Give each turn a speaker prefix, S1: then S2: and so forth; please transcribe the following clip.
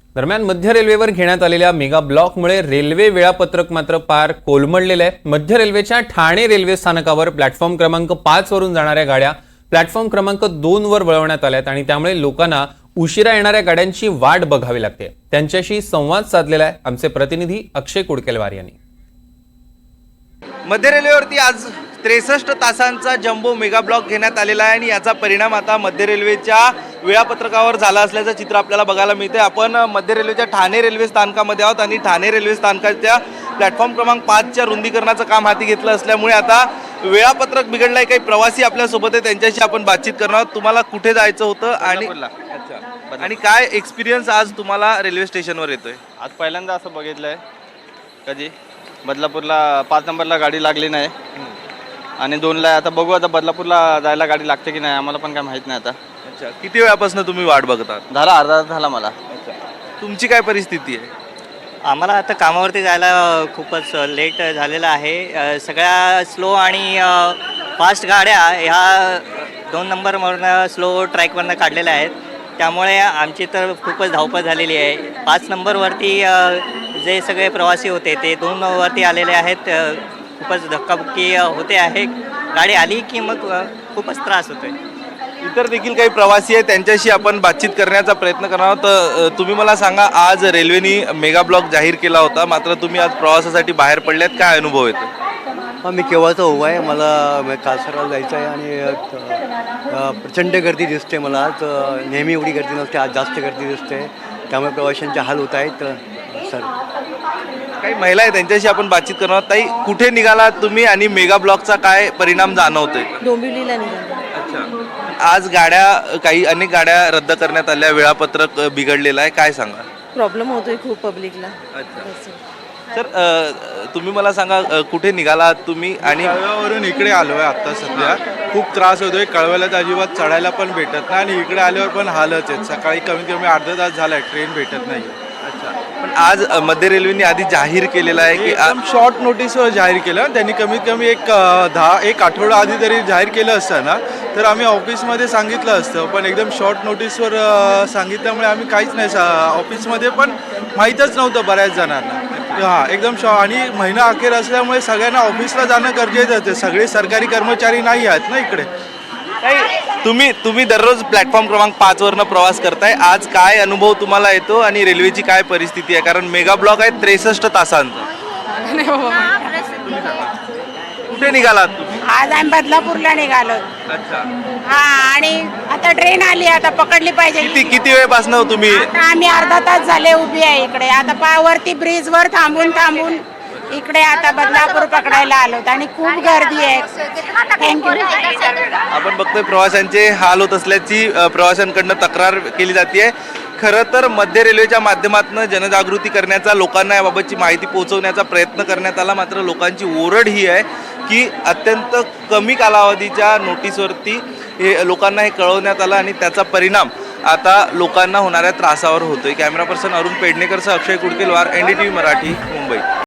S1: दरम्यान मध्य रेल्वेवर घेण्यात आलेल्या मेगा ब्लॉकमुळे रेल्वे वेळापत्रक मात्र पार कोलमडलेलं आहे। मध्य रेल्वेच्या ठाणे रेल्वे स्थानकावर प्लॅटफॉर्म क्रमांक 5 वरून जाणाऱ्या गाड्या प्लॅटफॉर्म क्रमांक 2 वर वळवण्यात आल्यात आणि त्यामुळे लोकांना उशिरा येणाऱ्या गाड्यांची वाट बघावी लागते। त्यांच्याशी संवाद साधलेला आहे आमचे प्रतिनिधी अक्षय कुडकेलवार यांनी।
S2: मध्य रेल्वेवरती आज 63 तासांचा जम्बो मेगा ब्लॉक घेण्यात आलेला आहे आणि याचा परिणाम आता मध्य रेल्वेच्या वेळापत्रकावर झाला असल्याचं चित्र आपल्याला बघायला मिळते। आपण मध्य रेल्वेच्या ठाणे रेल्वे स्थानकामध्ये आहोत आणि ठाणे रेल्वे स्थानकाच्या प्लॅटफॉर्म क्रमांक 5च्या रुंदीकरणाचं काम हाती घेतलं असल्यामुळे आता वेळापत्रक बिघडलं आहे। काही प्रवासी आपल्यासोबत आहे, त्यांच्याशी आपण बातचीत करणार आहोत। तुम्हाला कुठे जायचं होतं आणि काय एक्सपिरियन्स आज तुम्हाला रेल्वे स्टेशनवर येतोय?
S3: आज पहिल्यांदा असं बघितलंय कधी बदलापूरला 5 नंबरला गाडी लागली नाही आणि 2ला आता बघू, आता बदलापूरला जायला गाडी लागते की नाही आम्हाला पण काय माहित नाही आता।
S2: अच्छा, किती वेळापासून तुम्ही वाट बघतात?
S3: झाला अर्धा तास झाला मला।
S2: तुमची काय परिस्थिती आहे?
S4: आम्हाला आता कामावरती जायला खूपच लेट झालेलं आहे। सगळ्या स्लो आणि फास्ट गाड्या ह्या 2 नंबरवरनं स्लो ट्रॅकवरनं काढलेल्या आहेत, त्यामुळे आमची तर खूपच धावपळ झालेली आहे। 5 नंबरवरती जे सगळे प्रवासी होते ते 2 नंबरवरती आलेले आहेत। खूपच धक्काबुक्की होते आहे, गाडी आली की मग खूपच त्रास होतोय।
S2: इतर देखील काही प्रवासी आहेत, त्यांच्याशी आपण बातचीत करण्याचा प्रयत्न करणार आहोत। तुम्ही मला सांगा, आज रेल्वेनी मेगा ब्लॉक जाहीर केला होता, मात्र तुम्ही आज प्रवासासाठी बाहेर पडल्यात, काय अनुभव येतो?
S5: मी केव्हाचा उभा आहे, मला कासाराला जायचं आहे आणि प्रचंड गर्दी दिसते मला आज। नेहमी एवढी गर्दी नसते, आज जास्त गर्दी दिसते, त्यामुळे प्रवाशांचे हाल होत आहेत सर।
S2: काही महिला आहेत, त्यांच्याशी आपण बातचीत करणार आहोत। ताई, कुठे निघालात तुम्ही आणि मेगा ब्लॉकचा काय परिणाम जाणवतोय?
S6: डोंबिवलीला निघालो।
S2: अच्छा, आज अनेक गाड्या रद्द करण्यात आल्या, वेळापत्रक बिघडलेलं आहे, काय सांगा?
S6: प्रॉब्लेम होतोय खूप पब्लिकला।
S2: सर, तुम्ही मला सांगा, कुठे निघालात तुम्ही? आणि
S7: कळव्यावरून इकडे आलो आहे आत्ता सध्या। खूप त्रास होतोय, कळव्याला तर अजिबात चढायला पण भेटत नाही आणि इकडे आल्यावर पण हालच आहेत। सकाळी कमीत कमी अर्धा तास झाला आहे ट्रेन भेटत नाही।
S2: अच्छा, पण आज मध्य रेल्वेने आधी जाहीर केलेलं आहे की
S7: एकदम शॉर्ट नोटीसवर जाहीर केलं। त्यांनी कमीत कमी एक आठवडा आधी तरी जाहीर केलं असतं ना, तर आम्ही ऑफिसमध्ये सांगितलं असतं, पण एकदम शॉर्ट नोटीसवर सांगितल्यामुळे आम्ही काहीच नाही, ऑफिसमध्ये पण माहीतच नव्हतं बऱ्याच जणांना। हां, एकदम आणि महिना अखेर असल्यामुळे सगळ्यांना ऑफिसला जाणं गरजेचं होतं। सगळे सरकारी कर्मचारी नाही आहेत ना इकडे।
S2: तुम्ही दररोज प्लॅटफॉर्म क्रमांक 5 वरनं प्रवास करताय, आज काय अनुभव तुम्हाला येतो आणि रेल्वेची काय परिस्थिती आहे? कारण मेगा ब्लॉक आहे 63 तासांचा। कुठे निघालात तुम्ही?
S8: आज आम्ही बदलापूरला निघालो।
S2: अच्छा,
S8: हा, आणि आता ट्रेन आली, आता पकडली पाहिजे।
S2: किती वेळपासून तुम्ही?
S8: आता आम्ही अर्धा तास झाले उभी आहे इकडे। आता वरती ब्रिज वर थांबून इकडे आता बदलापूर पकडायला आलो आणि खूप गर्दी आहे। थँक्यू।
S2: आपण बघतोय प्रवाशांचे हाल होत असल्याची प्रवाशांकडनं तक्रार केली जाते। खरं तर मध्य रेल्वेच्या माध्यमातून जनजागृती करण्याचा, लोकांना याबाबतची माहिती पोहोचवण्याचा प्रयत्न करण्यात आला, मात्र लोकांची ओरड ही आहे की अत्यंत कमी कालावधीच्या नोटीसवरती लोकांना हे कळवण्यात आलं आणि त्याचा परिणाम आता लोकांना होणाऱ्या त्रासावर होतोय। कॅमेरा पर्सन अरुण पेडणेकरसह अक्षय कुडकेलवार, NDTV मराठी, मुंबई।